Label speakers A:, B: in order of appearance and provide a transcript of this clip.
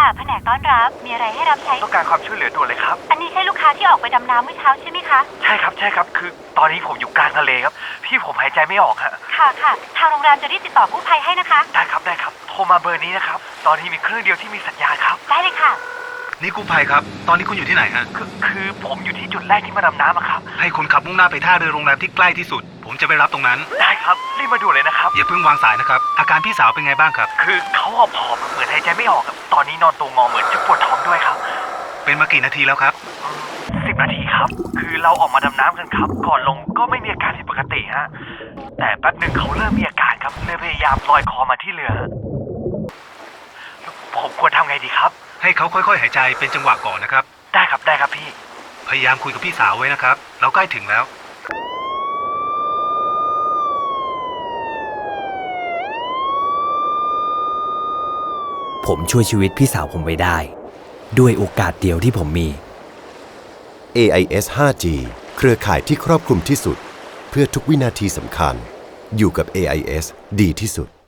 A: ค่ะแผนกต้อนรับมีอะไรให้รับใช้
B: ต้องการความช่วยเหลือด่วนเลยครับ
A: อันนี้ใช่ลูกค้าที่ออกไปดำน้ำเมื่อเช้าใช่ไหมคะ
B: ใช่ครับคือตอนนี้ผมอยู่กลางทะเลครับพี่ผมหายใจไม่ออกฮะ
A: ค่ะทางโรงแรมจะรีบติดต่อกู้ภัยให้นะคะ
B: ได้ครับโทรมาเบอร์นี้นะครับตอนนี้มีเครื่องเดียวที่มีสัญญาณครับ
A: ได้เลยค่ะ
C: นี่กู้ภัยครับตอนนี้คุณอยู่ที่ไหนฮะ
B: คือผมอยู่ที่จุดแรกที่มาดำน้ำครับ
C: ให้คนขับมุ่งหน้าไปท่าเรือโรงแรมที่ใกล้ที่สุดผมจะไปรับตรงนั้น
B: ได้ครับรีบมาด่วนเลยนะครับ
C: อย่าเพิ่งวางสายนะครับอาการพี่สาวเป็นไงบ้างครับ
B: คือเขาผอมเหมือนหายใจไม่ออกครับตอนนี้นอนตัวงอเหมือนจะปวดท้องด้วยครับ
C: เป็นมากี่นาทีแล้วครับ
B: 10 นาทีครับคือเราออกมาดำน้ำกันครับก่อนลงก็ไม่มีอาการผิดปกติฮะแต่แป๊บหนึ่งเขาเริ่มมีอาการครับเลยพยายามลอยคอมาที่เรือผมควรทำไงดีครับ
C: ให้เขาค่อยๆหายใจเป็นจังหวะก่อนนะครับ
B: ได้ครับพี่
C: พยายามคุยกับพี่สาวไว้นะครับเราใกล้ถึงแล้ว
D: ผมช่วยชีวิตพี่สาวผมไว้ได้ด้วยโอกาสเดียวที่ผมมี
E: AIS 5G เครือข่ายที่ครอบคลุมที่สุดเพื่อทุกวินาทีสำคัญอยู่กับ AIS ดีที่สุด